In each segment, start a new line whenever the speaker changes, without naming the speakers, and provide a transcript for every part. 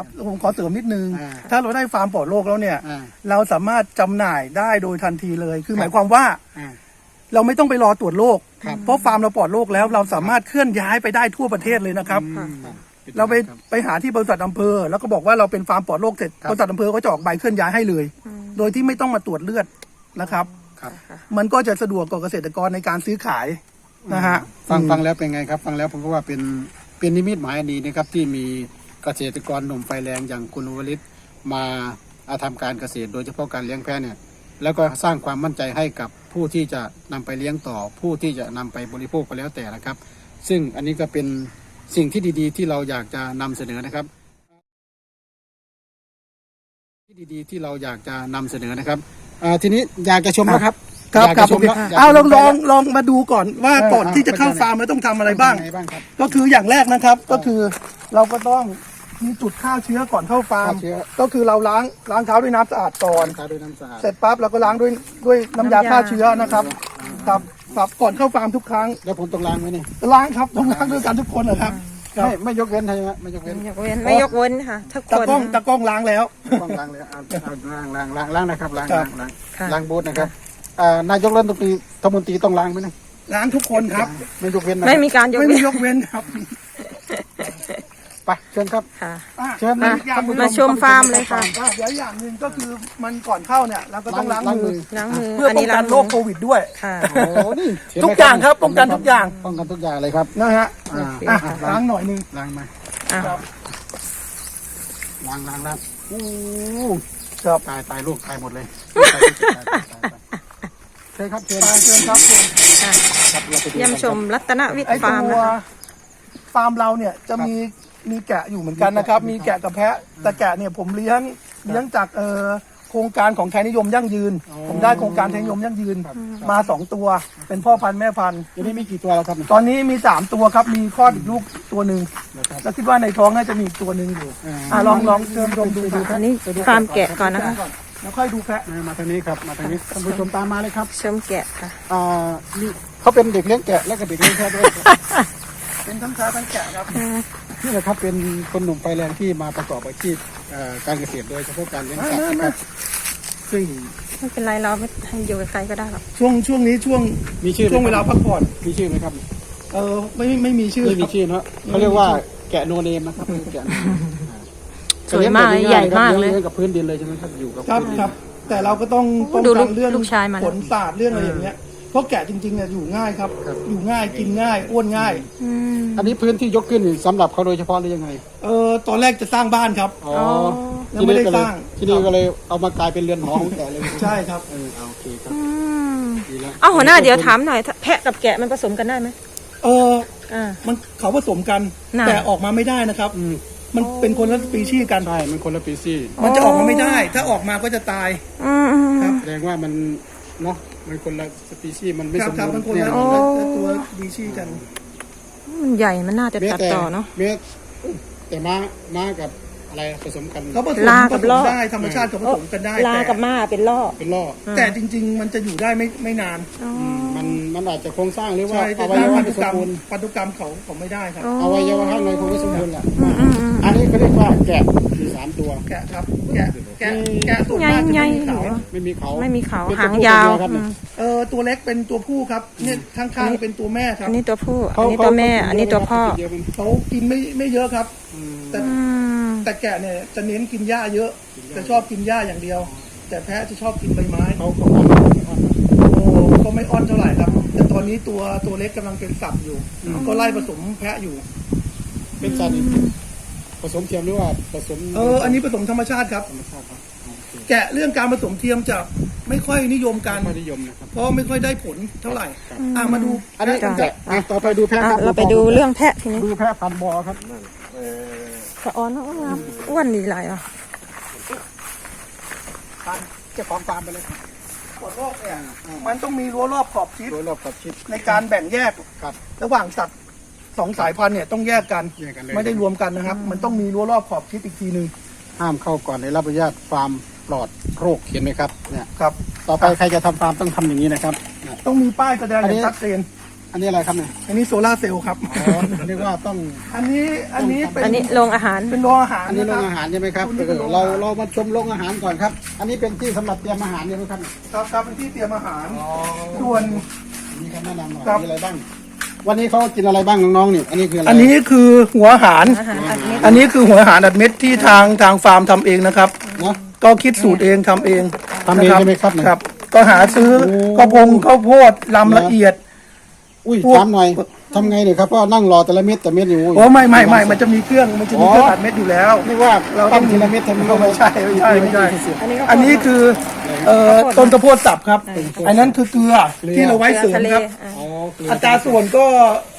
ครับผมขอเสริมนิดนึง
อ่า
ถ้าเราได้ฟาร์มปลอดโรคแล้วเนี่ย
อ่า
เราสามารถจำหน่ายได้โดยทันทีเลย คือหมายความว่า
อ่า
เราไม่ต้องไปรอตรวจโรค
ครับ
เพราะฟาร์มเราปลอดโรคแล้วเราสามารถเคลื่อนย้ายไปได้ทั่วประเทศเลยนะครับ เราไปหาที่บริษัทอำเภอแล้วก็บอกว่าเราเป็นฟาร์มปลอดโรคเสร็จบริษัทอำเภอก็จะออกใบเคลื่อนย้ายให้เลย โดยที่ไม่ต้องมาตรวจเลือดนะครับ
ครับ
มันก็จะสะดวกกับเกษตรกรในการซื้อขายนะฮะ
ฟังแล้วเป็นไงครับ ฟังแล้วผมก็ว่าเป็นนิมิตหมายอันดีนะครับที่มีเกษตรกรหนุ่มไฟแรงอย่างคุณวลิตมาทำการเกษตรโดยเฉพาะการเลี้ยงแพะเนี่ยแล้วก็สร้างความมั่นใจให้กับผู้ที่จะนำไปเลี้ยงต่อ ผู้ที่จะนำไปบริโภคก็แล้วแต่นะครับ ซึ่งอันนี้ก็เป็นสิ่งที่ดีๆ ที่เราอยากจะนำเสนอนะครับที่ดีๆที่เราอยากจะนำเสนอนะครับทีนี้อยากจะชมแล้วครับ
ครับ
อยาก
ครั
จะ
บ
ชมแล้ว
เอาลองมาดูก่อนว่าก่อนที่จะเข้าฟาร์มเราต้องทำอะไรบ้าง
เป็นยังไงบ้างครับ
ก็คืออย่างแรกนะครับก็คือเราก็ต้องมีจุดฆ่าเชื้อก่อนเข้าฟาร์ม
ฆ่าเชื้อ
ก็คือเราล้างเท้าด้วยน้ำสะอาดก่อน
ทาด้วยน้ำสะอาด
เสร็จปั๊บเราก็ล้างด้วยน้ำยาฆ่าเชื้อนะครับครับก่อนเข้าฟาร์มทุกครั้ง
แล้วผมต้องล้างไหมเนี่ย
ล้างครับต้องล้างด้วยกันทุกคนนะครับครับ
ไม่ยกเว้นใช่ไหมไม่ยกเว้น
ไม่ยกเว้นค่ะทุกค
ตะ
น
กล้องล้างแล้ว
ต้องล้างเลยเอาล้างนะครับล้าง
ครับ
ค่ะ
ล้างบูธนะครับนายกรัฐมนตรีต้องล้างไหมเนี่ย
ล้างทุกคนครับ
ไม่ยกเว้นนะ
ไม่มีการยก
ไม่
เว้
มี
น
ยกเว้นครับ
ไปเชิญครับ
ค่ะ
เชิญ
มา
ท่นผู้
มาชมฟาร์มเลยค่ะ
เดี๋ยวอย่างหนึ่งก็คือมันก่อนเข้าเนี่ยเราก็ต้องล้างมือ
ล้างมือ
เพื่อ
อัน
ป้อ
นี้
ง
ล้า
กั
ง
น
มื
โร
อ
คโควิดด้วย
ค่ะ
โอ้นี่เห็นไหม
ทุกอย่างครับป้องกันทุกอย่าง
ป้องกันทุกอย่างเลยครับ
นะฮะ
โอเค
อ่ะ
ค่ะ
ล้างหน่อยหนึง
ล้างมา
อ่ะ
ครับ
ล้างโอ้
ครับ
ตายลูกตายหมดเลยเชิญครับเชิญ
ไปเชิญครับเชิญ
ค่ะ
ครับเราไปดู
เยี่ยมชมรัตนวิท
ไอ
ย์
ตั
ฟาร์ม
ว
นะคะ
ฟาร์มเราเนี่ยจะมีแกะอยู่เหมือนกันนะครับ มีแกะกับแพะ แต่แกะเนี่ยผมเลี้ยงจากโครงการของไทยนิยมยั่งยืน ผมได้โครงการไทยนิยมยั่งยืนมา2ตัว เป็นพ่อพันธุ์แม่พันธุ์
เดี๋ยวนี้มีกี่ตัวแล้วครับ
ตอนนี้มี3ตัวครับ มีคลอดอีกลูกตัวหนึ่ง
นะครับ
แล้วคิดว่าในท้องน่าจะมีอีกตัวหนึ่งอยู่ลองเชิญชมดู
อันนี้ฟาร์มแกะก่อนนะคะ
แล้วค่อยดูแพะ
มาทางนี้ครับมาทางนี้ท่านผู้ชมตามมาเลยครับ
ชมแกะค่ะ
นี่เขาเป็นเด็กเลี้ยงแกะและก็เด็กเลี้ยงแพะด้วย
เป็นทั้งแพะทั้งแกะครับ
นี่แหละครับเป็นคนหนุ่มไฟแรงที่มาประกอบอาชีพการเกษตรโดยเฉพาะการเลี้ยงสัตว์นะครับซึ่ง
ไม่เป็นไรเราไม่ให้อยู่กับใครก็ได้หรอก
ช่วงนี้ช่วง
มีชื่อไหม
ช่วงเวลาพักผ่อน
มีชื่อไหมครับ
ไม่มีชื่อ
ไม่มี
ครับ
ชื่อเนอะเขาเรียกว่าแกะโนเนมนะครับแกะ
สวยมากใหญ่มากเลย
เลี้ยงกับพื้นดินเลยใช่ไหมครับอยู่กับ
ครับ
พื้นดิน
ครับ แต่เราก็ต้องป้อง
ดูลู
กั
ก
นเรื่อง
ลูกชายมาแล้ว
ผลศาสตร์เรื่องอะไรอย่างเงี้ยเพราะแกะจริงๆเนี่ยอยู่ง่ายครับ อยู่ง่ายกินง่ายอ้วนง่าย
อืม
อันนี้พื้นที่ยกขึ้นนี่สำหรับเขาโดยเฉพาะหรือยังไง
ตอนแรกจะสร้างบ้านครับ
อ๋อ
ยังไม่ได้สร้าง
ที่นี่ก็เลยเอามากลายเป็นเรือนหอของแกะเลย
ใช่ครับ
โอเคครับ
อืม
ดีแล้ว
เอาหัวหน้าเดี๋ยวถามหน่อยแพะกับแกะมันผสมกันได้ไหม อ่า
มันเขาผสมกัน
น่ะ
แต่ออกมาไม่ได้นะครับ มันเป็นคนละสปีชีส์กัน
ใช่มันคนละปีซี่
มันจะออกมาไม่ได้ ถ้าออกมาก็จะตาย
อืมอืม
ครับ
แสดงว่ามันเนาะมันคนละสปีชีส์มันไม่
ครั
ส
บ
ม
ครับ
บู
มั
ร
น
ณ์
คน
เนี่ย
ละ
โอ้
ตัวสปีชีส์กัน
มันใหญ่มันน่าจะตัดต่อเนาะ
แต่ม้ากับอะไรผสมกัน
เขาผสม
ลากับ
ผสม
ล่อ
ได้ธรรมชาติเขาผสมกันได้
ลากับม้าเป็นล่อ
เป็นล่อ
แต่จริง ๆ มันจะอยู่ได้ไม่นาน
อ๋อ
มันอาจจะโครงสร้างหรือว่า
ใช่
อ
แต่
วัยวะ
พัน
ไม่
ธุ
ส
กร
ม
รม
บูรณ์
พันธุกรรมเขาไม่ได้ครับ
อวัยวะข้างในคงไม่สมบูรณ์แหละ
อืมอืมอืม
อันนี้เขาเรียกว่าแกะมี3ตัว
แกะครับแกะส่วนมากจะ
ใหญ่
ไม่มีเขา
ไม่มีเขา
ไม่มีเขา
เป็น
หาง
ตัวผู้
ยาว
ตัวเดีครับ
อืม
ตัวเล็กเป็นตัวผู้ครับเนี่ยข้างๆเป็นตัวแม่ครับ
อันนี้ตัวผู้ อันนี้ตัวแม่ อันนี้ตัวพ่อ
เขากินไม่เยอะครับ แต่
อืม
แต่แกะเนี่ยจะเน้นกินหญ้าเยอะจะชอบกินหญ้าอย่างเดียว แต่แพะจะชอบกินใบไม้
เขา
โอ้ก็ไม่อ้อนเท่าไหร่ครับ แต่ตอนนี้ตัวเล็กกำลังเป็นสับอยู่ ก็ไล่ผสมแพะอยู่
เป็นสัตว์ผสมเทียมหรือว่าผสม
อันนี้ผสมธรรมชาติครับ
ธรรมชาติครับโอเค
แกะเรื่องการผสมเทียมจะไม่ค่อยนิยมกัน
ไม่นิยมนะครับ
เพราะไม่ค่อยได้ผลเท่าไหร่มาดู
อันนี้
จ้ะ
แกะต่อไปดูแพะ
อ่ะ
ครับ
เราไปดูเรื่องแพะทีนี้
ดูแพะพันธุ์บอครับ
สะออนเนอะอ้วนดีหลายอ่ะ
เจ้าของฟาร์มไปเลยครับ
ปวดโรคเนี่ยมันต้องมีรั้วรอบขอบชิด
โดยรอบกับชิด
ในการแบ่งแยก
ครับ
ระหว่างสัตว์2 สายพันธุ์เนี่ยต้องแยกกัน
แยกกันเลย
ไม่ได้รวมกันนะครับ มันต้องมีรั้วรอบขอบชิดอีกทีหนึ่ง
ห้ามเข้าก่อนในรับอนุญาตฟาร์มปลอดโรคเห็นไหมครับเนี่ย
ครับ
ต่อไปใครจะทำฟาร์มต้องทำอย่างนี้นะครับเนี่ย
ต้องมีป้ายแสดง
อัน
อ
นี้
ย่างชัดเจน
ออันนี้อะไรครับเนี่ย
อันนี้โซลาร์เซลล์ครับ
อ๋อเรียกว่าต้อง
อันนี้เป็น
อันนี้โรงอาหาร
เป็นโรงอาหาร
อันนี้โร
ะ
ง
คบ
อาหารใช่ไหมครับเรามาชมโรงอาหารก่อนครับ อันนี้เป็นที่สำหรับเตรียมอาหารใช่ไหมครับ
ครับเป็นที่เตรียมอาหารส่วน
มีคำแนะนำหน่อย
ครับ
มีอะไรบ้าง วันนี้เขากินอะไรบ้างน้องๆนี่อันนี้คืออะไร
อันนี้คือหัวอาหาร
อาหารอัดเม็ด
อันนี้คือหัวอาหารอัดเม็ดที่ทางฟาร์มทำเองนะครับ
เนาะ
ก็คิดสูตรเองทำเอง
ทำเองใช่ไหมครับเนี่ย
ครับ ก็หาซื้อ
โอ้
ข้าวโพดลำละเอียด
อุ้ย
พวก
ถามหน่อยทำไงเนี่ยครับเพราะนั่งรอแต่ละเม็ดแต่เม็ดอยู่
โอ้ไม่มันจะมีเครื่องอัดเม็ดอยู่แล้ว
นี่ว่าเราต้องทีละเม็ดทีละเม็ด
ไม่ใช่
อันนี้ก็
อันนี้คือต้นข้าวโพดสับครับ อันนั้นคือเกลือที่เราไว้เสริม
ทะเล
ครับ
อ๋อเกลือ
อัตราส่วนก็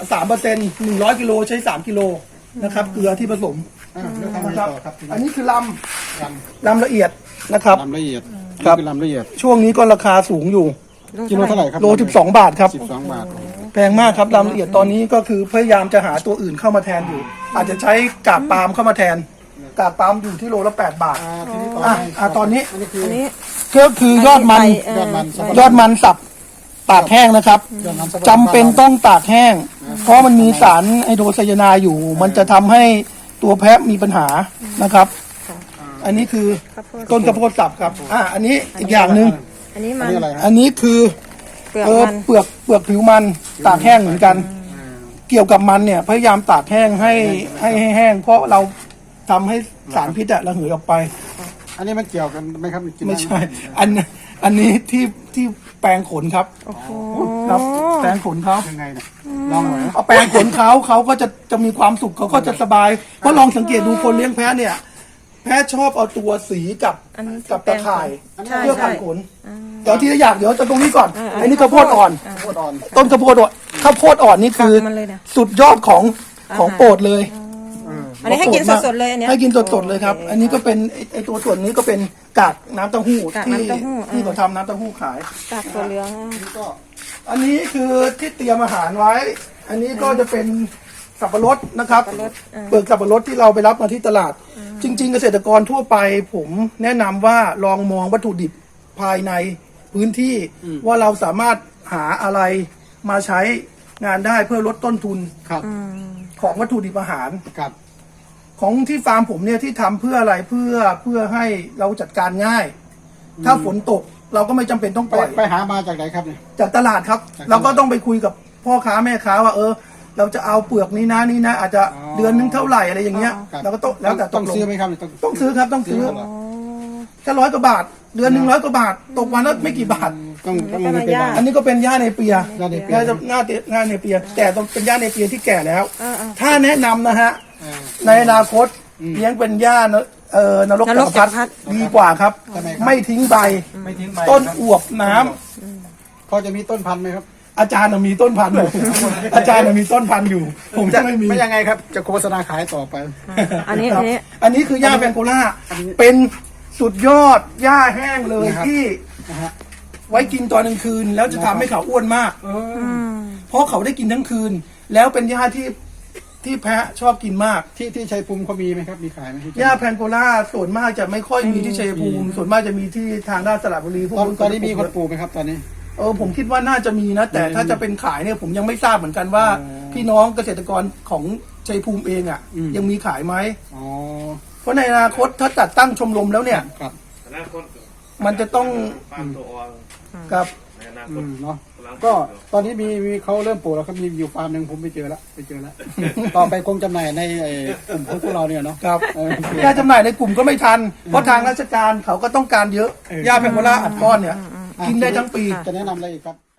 3% 100กิโลใช้3กิโลนะครับเกลือที่ผสม
แล้วทำไง
นะครับ
ต่อครับ
อันนี้คือ
ล
ลำละเอียดนะครับ
ลำละเอียด
ครับ
นี่คือลำละเอียด
ช่วงนี้ก็ราคาสูงอยู่
กิโลเท่าไหร่ครับ
โล12 บาทครับ
12 บาท
แพงมากครับลำละเอียดตอนนี้ก็คือพยายามจะหาตัวอื่นเข้ามาแทนอยู่ อาจจะใช้กากปาล์มเข้ามาแทน กากปาล์มอยู่ที่โลละ8 บาท
ทีนี้
ตอนนี้
อันนี้คือ
อันนี้
ก็คือยอดมัน
ยอดมัน
ยอดมันสับตากแห้งนะครับ
ยอดมันสับ
จำเป็นต้องตากแห้ง เพราะมันมีสารไฮโดรไซยาไนด์อยู่ มันจะทำให้ตัวแพะมีปัญหานะครับ อันนี้คือ
ข้าวโพด
ต้นข้าวโพดสับครับอันนี้อีกอย่างหนึ่ง
อันนี้
อั
มัน น
นี้อะไรครับ
อันนี้คือ
เปลือกมัน
เปลือกผิวมันตากแห้งเหมือนกัน เกี่ยวกับมันเนี่ยพยายามตากแห้งให้แห้ง เพราะเราทำให้สารพิษระเหยออกไป
อันนี้มันเกี่ยวกันไหมครับกิน
ไม่ใช่ อันนี้ที่แปรงขนครับ
โอ้โห
ครับแปรงขนเขา
ยังไงเนี่ยลองหน่อยนะ
เอาแปรงขนเขาก็จะมีความสุขเขาก็จะสบายเพราะลองสังเกตดูคนเลี้ยงแพะเนี่ย แพะชอบเอาตัวสีกับ
อันนี้
กับตะข่าย
ใช่
เพื่อ
ใช่
พันขนเดี๋ยวที่อยากเดี๋ยวจะตรงนี้ก่อน อันนี้ข้าวโพดอ่อน
โคตรอ่อน
ต้นข้าวโพดอ่อนข้าวโพดอ่อนนี่คือ
มันเลยนะ
สุดยอดของโปรดเลย
อันนี้ให้กินสดๆเลยอันเนี้ย
ให้กินสดๆเลยครับ อันนี้ก็เป็นไอตัวส่วนนี้ก็เป็นกากน้ำเต้าหู้
กาก
ที่
น้ำเต้าหู้
ที่เขาทำน้ำเต้าหู้ขาย
กากตัวเหลือง
นี่ก็
อันนี้คือที่เตรียมอาหารไว้ อันนี้ก็จะเป็นสับปะรดนะครับ เปลือกสับปะรดที่เราไปรับมาที่ตลาด จริง ๆ เกษตรกรทั่วไปผมแนะนำว่าลองมองวัตถุดิบภายในพื้นที่ว่าเราสามารถหาอะไรมาใช้งานได้เพื่อลดต้นทุน
ครับ
ของวัตถุดิบอาหาร
ครับ
ของที่ฟาร์มผมเนี่ยที่ทำเพื่ออะไรเพื่อให้เราจัดการง่าย ถ้าฝนตกเราก็ไม่จำเป็นต้องปล่อย
ไปหามาจากไหนครับเนี่ย
จากตลาดครับ
จากตลาด
เราก็ต้องไปคุยกับพ่อค้าแม่ค้าว่าเราจะเอาเปลือกนี้นะอาจจะเดือนนึงเท่าไหร่อะไรอย่างเงี้ย
ครับ
เราก็ต้องแล้วแต่ต
ต้อง
กลง
ซื้อไหมครับเนี่ย
ต้องซื้อครับต้องซื้อ
ซื้อเหรอ
แค่100 กว่าบาท เดือนหนึ่ง100 กว่าบาท ตกวันละไม่กี่บาท
ต้องเงินไปบ้าง
อันนี้ก็เป็นหญ้าในเปีย
หญ้าเนเปีย
หญ้าในเปีย แต่ต้องเป็นหญ้าในเปียที่แก่แล้ว ถ้าแนะนำนะฮะ
อ่า
ในอนาคตเลี้ยงเป็นหญ้านรก
นรก
จักรพรรดิ
จักรพรรดิ
ดีกว่าครับ
ทำไมครับ
ไม่ทิ้งใบ
ไม่ทิ้งใบ
ต้นอวบน้ำ
พอจะมีต้นพันธุ์ไหมครับ
อาจารย์น่ะมีต้นพันธุ์อยู่ อาจารย์น่ะมีต้นพันธุ์อยู่ ผมจะไม่มี
ไม่ยังไงครับ จะโฆษณาขายต่อไป
อันนี้
ค
อั
รับ
นนี้
อันนี้คือหญ้าแพงโกล่า
อันนี้
เป็นสุดยอดหญ้าแห้งเลย
นะครับ
ที่
นะฮะ
ไว้กินตอนกลางคืน แล้วจะทำให้เขาอ้วนมาก
เออ
เพราะเขาได้กินทั้งคืน แล้วเป็นหญ้าที่แพะชอบกินมาก
ที่ชัยภูมิเขามีไหมครับ มีขายไหมที่
หญ้าแพงโกล่าส่วนมากจะไม่ค่อยมีที่ชัยภูมิ ส่วนมากจะมีที่ทางด้านสระบุรีพวก
ตอนนี้มีคนปลูกไหมครับตอนนี้
ผมคิดว่าน่าจะมีนะ แต่ถ้าจะเป็นขายเนี่ยผมยังไม่ทราบเหมือนกันว่า พี่น้องเกษตรกรของชัยภูมิเองอ่ะ ยังมีขายไหม
อ๋อ
เพราะในอนาคตถ้าจัดตั้งชมรมแล้วเนี่ย
ครับ
มันจะต้อง
ปานตัวอ่อน
กับ
ในอนาค
อื
ต
มเนาะก็ตอนนี้มีเขาเริ่มปลูกแล้วครับมีอยู่ฟาร์มหนึ่งผมไปเจอแล้ว ต่อไปคงจำหน่ายในกลุ่มของพวกเราเนี่ยเนาะ
ครับ
เออ
ยาจำหน่ายในกลุ่มก็ไม่ทัน เพราะทางราชการเขาก็ต้องการเยอะ ยาแพงโกล่าอัดก้อนเนี่ย กินได้ทั้งปี
จะแนะนำอะไรอีกครับ